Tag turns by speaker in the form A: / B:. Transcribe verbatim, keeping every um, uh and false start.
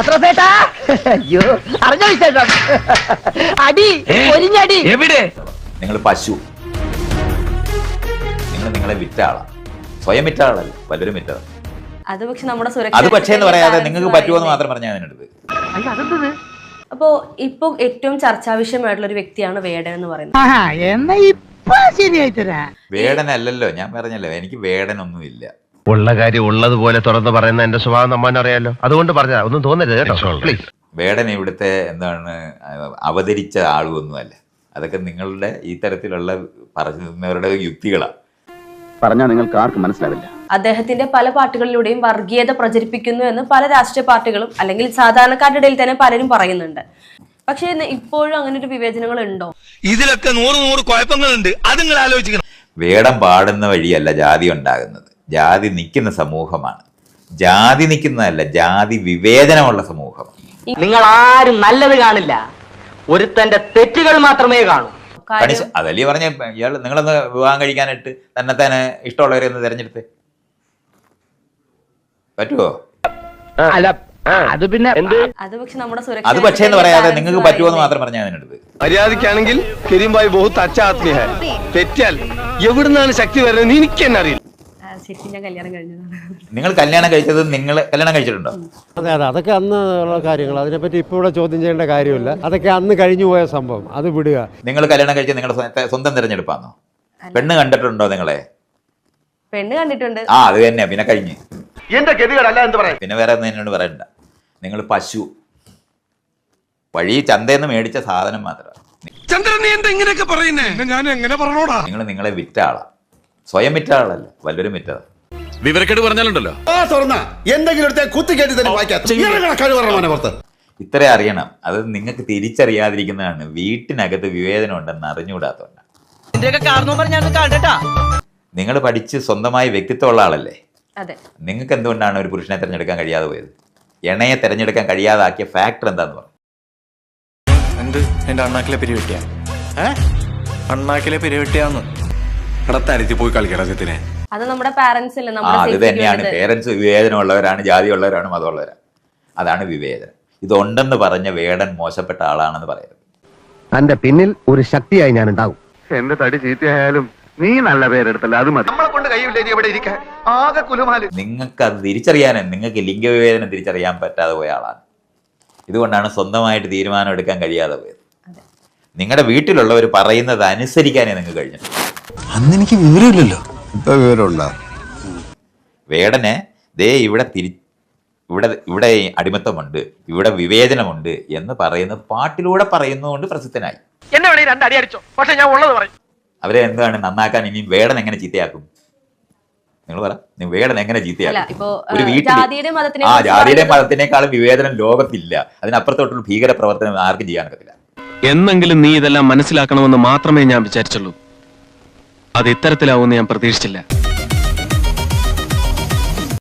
A: അയ്യോ അറിഞ്ഞ വിശേഷം അടി ഒരിഞ്ഞടി
B: എവിടെ
C: നിങ്ങൾ പശു, നിങ്ങൾ നിങ്ങളെ വിറ്റ ആളാ, സ്വയം വിറ്റ ആളല്ല, പലരും വിറ്റതാണ്.
D: അത് പക്ഷെ നമ്മുടെ
C: അത് പക്ഷേ എന്ന് പറയാതെ നിങ്ങൾക്ക് പറ്റുമോന്ന് മാത്രം പറഞ്ഞാൽ അതിനടുത്ത്.
D: അപ്പോ ഇപ്പൊ ഏറ്റവും ചർച്ചാ വിഷയമായിട്ടുള്ള ഒരു വ്യക്തിയാണ് വേടൻ എന്ന് പറയുന്നത്.
C: വേടനല്ലല്ലോ, ഞാൻ പറഞ്ഞല്ലോ എനിക്ക് വേടനൊന്നുമില്ല.
B: ഉള്ള കാര്യം ഉള്ളതുപോലെ തുറന്ന് പറയുന്ന എന്റെ സ്വഭാവം നമ്മൻ അറിയാലോ, അതുകൊണ്ട് പറഞ്ഞ ഒന്നും തോന്നരുത് കേട്ടോ പ്ലീസ്.
C: വേടൻ ഇവിടുത്തെ എന്താണ് അവതരിച്ച ആളുമൊന്നുമല്ല, അതൊക്കെ നിങ്ങളുടെ ഈ തരത്തിലുള്ള പറയുന്നവരുടെ യുക്തികളാണ്.
E: പറഞ്ഞാൽ നിങ്ങൾക്ക് ആർക്കും മനസ്സിലാവില്ല.
D: അദ്ദേഹത്തിന്റെ പല പാട്ടുകളിലൂടെയും വർഗീയത പ്രചരിപ്പിക്കുന്നു എന്ന് പല രാഷ്ട്രീയ പാർട്ടികളും അല്ലെങ്കിൽ സാധാരണക്കാരുടെ ഇടയിൽ തന്നെ പലരും പറയുന്നുണ്ട്. പക്ഷെ ഇപ്പോഴും അങ്ങനെ ഒരു വിവേചനങ്ങൾ ഉണ്ടോ?
F: ഇതിലൊക്കെ നൂറ് നൂറ് കുഴപ്പങ്ങളുണ്ട്, അത് നിങ്ങൾ ആലോചിക്കണം.
C: വേടം പാടുന്ന വഴിയല്ല ജാതി ഉണ്ടാകുന്നത്, ജാതി നിൽക്കുന്ന സമൂഹമാണ്. ജാതി നിൽക്കുന്നതല്ല, ജാതി വിവേചനമുള്ള സമൂഹമാണ്.
A: നിങ്ങൾ ആരും നല്ലത് കാണില്ല, ഒരുത്തന്റെ തെറ്റുകൾ മാത്രമേ കാണൂ.
C: അതല്ലേ പറഞ്ഞ ഇയാൾ നിങ്ങളൊന്ന് വിവാഹം കഴിക്കാനായിട്ട് തന്നെ തന്നെ ഇഷ്ടമുള്ളവരെ ഒന്ന് തെരഞ്ഞെടുത്ത് പറ്റുമോ?
A: അല്ല അത് പിന്നെ
D: അത് പക്ഷെ നമ്മുടെ
C: അത് പക്ഷേ എന്ന് പറയാതെ നിങ്ങൾക്ക് പറ്റുമോന്ന് മാത്രം പറഞ്ഞാൽ അതിനടുത്ത്.
F: മര്യാദക്കാണെങ്കിൽ കരീംഭായ് ബഹുത്ത് അച്ഛാ ആത്മീയ ഹൈ, തെറ്റാൽ എവിടുന്നാണ് ശക്തി വരുന്നത് എനിക്ക് തന്നെ അറിയില്ല.
D: ഞാൻ കല്യാണം കഴിഞ്ഞതാണ്.
C: നിങ്ങൾ കല്യാണം കഴിച്ചത് നിങ്ങൾ കല്യാണം കഴിച്ചിട്ടുണ്ടോ?
G: അതെ അതെ അതൊക്കെ അന്ന് ഉള്ള കാര്യങ്ങൾ, അതിനെപ്പറ്റി ഇപ്പോൾ ഇവിടെ ചോദ്യം ചെയ്യേണ്ട കാര്യമില്ല. അതൊക്കെ അന്ന് കഴിഞ്ഞു പോയ സംഭവം, അത് വിടുക.
C: നിങ്ങൾ കല്യാണം കഴിച്ച് നിങ്ങളുടെ സ്വന്തം തിരഞ്ഞെടുപ്പാന്നോ? പെണ്ണ് കണ്ടിട്ടുണ്ടോ നിങ്ങളെ?
D: പെണ്ണ് കണ്ടിട്ടുണ്ട്.
C: ആ അത് തന്നെ, പിന്നെ കഴിഞ്ഞ്
F: എന്റെ ഗതികളല്ല എന്ന് പറയാം.
C: പിന്നെ വേറെ ഒന്നും എന്നോട് പറയണ്ട. നിങ്ങൾ പശു, വഴി ചന്തയെന്ന് മേടിച്ച സാധനം മാത്രമാണ്.
F: ചന്ദ്രൻ നീ എന്താ ഇങ്ങനെയൊക്കെ പറയുന്നേ? ഞാൻ എങ്ങനെ പറഞ്ഞോടാ?
C: നിങ്ങൾ നിങ്ങളെ വിറ്റ ആളാ, സ്വയം വിറ്റ ആളല്ല, വല്ലവരും വിറ്റതാ.
F: വിവരക്കേട് പറഞ്ഞാലുണ്ടല്ലോ
C: ഇത്ര അറിയണം. അത് നിങ്ങൾക്ക് തിരിച്ചറിയാതിരിക്കുന്നതാണ്. വീട്ടിനകത്ത് വിവേചനം ഉണ്ടെന്ന് അറിഞ്ഞുകൂടാത്തതുകൊണ്ട്. നിങ്ങൾ പഠിച്ച് സ്വന്തമായി വ്യക്തിത്വമുള്ള ആളല്ലേ? നിങ്ങൾക്ക് എന്തുകൊണ്ടാണ് ഒരു പുരുഷനെ തിരഞ്ഞെടുക്കാൻ കഴിയാതെ പോയത്? എണയെ തിരഞ്ഞെടുക്കാൻ കഴിയാതാക്കിയ ഫാക്ടർ എന്താന്ന് പറഞ്ഞു?
H: എന്ത് എന്റെ അണ്ണാക്കിലെ പിരിവെട്ടിയ അണ്ണാക്കിലെ പിരിവെട്ടിയാന്ന് കടത്താരത്തി പോയി കളിക്കണം സത്യനെ.
D: അത് നമ്മുടെ പാരന്റ്സ് അല്ലേ?
C: അത് തന്നെയാണ് പേരൻസ്. വിവേചനമുള്ളവരാണ്, ജാതിയുള്ളവരാണ്, മതമുള്ളവരാണ്. അതാണ് വിവേചനം. ഇതുണ്ടെന്ന് പറഞ്ഞ വേടൻ മോശപ്പെട്ട ആളാണെന്ന് പറയുന്നത്.
B: തന്റെ പിന്നിൽ ഒരു ശക്തിയായി ഞാൻ ഉണ്ടാവും.
E: എന്റെ തടി ചീത്തയായാലും നീ നല്ല പേരെടുത്തല്ല, അത് മതി. നമ്മളെ കൊണ്ട് കഴിയില്ലേ ഇവിടെ ഇരിക്കാൻ, ആകെ കുലുമാല്.
C: നിങ്ങൾക്ക് അത് തിരിച്ചറിയാനും നിങ്ങൾക്ക് ലിംഗവിവേചനം തിരിച്ചറിയാൻ പറ്റാതെ പോയ ആളാണ്. ഇതുകൊണ്ടാണ് സ്വന്തമായിട്ട് തീരുമാനം എടുക്കാൻ കഴിയാതെ പോയത്. നിങ്ങളുടെ വീട്ടിലുള്ളവർ പറയുന്നത് അനുസരിക്കാനേ നിങ്ങൾക്ക് കഴിഞ്ഞിട്ടുണ്ട്.
H: അന്ന് എനിക്ക് വിവരമില്ലല്ലോ, ഇപ്പൊ വിവരമുണ്ടോ?
C: വേടനെ ദേ ഇവിടെ തിരി ഇവിടെ ഇവിടെ അടിമത്തമുണ്ട്, ഇവിടെ വിവേചനമുണ്ട് എന്ന് പറയുന്ന പാട്ടിലൂടെ പറയുന്നതുകൊണ്ട് പ്രസിദ്ധനായി.
A: എന്നെ വേണേ രണ്ടടി അടിച്ചോ, പക്ഷെ ഞാൻ ഉള്ളത് പറയും.
C: അവരെ എന്താണ് നന്നാക്കാൻ ഇനി വേടൻ എങ്ങനെ ചീത്തയാക്കും? നിങ്ങൾ പറ, വേടൻ എങ്ങനെ ചീത്തയാക്കും? ഒരു വീട്ടിൽ ആ ജാതിയുടെ മതത്തിനേക്കാളും വിവേചനം ലോകത്തില്ല. അതിനപ്പുറത്തോട്ടുള്ള ഭീകര പ്രവർത്തനം ആർക്കും ചെയ്യാനൊക്കത്തില്ല.
I: എന്നെങ്കിലും നീ ഇതെല്ലാം മനസ്സിലാക്കണമെന്ന് മാത്രമേ ഞാൻ വിചാരിച്ചുള്ളൂ. അത് ഇത്തരത്തിലാവുമെന്ന് ഞാൻ പ്രതീക്ഷിച്ചില്ല.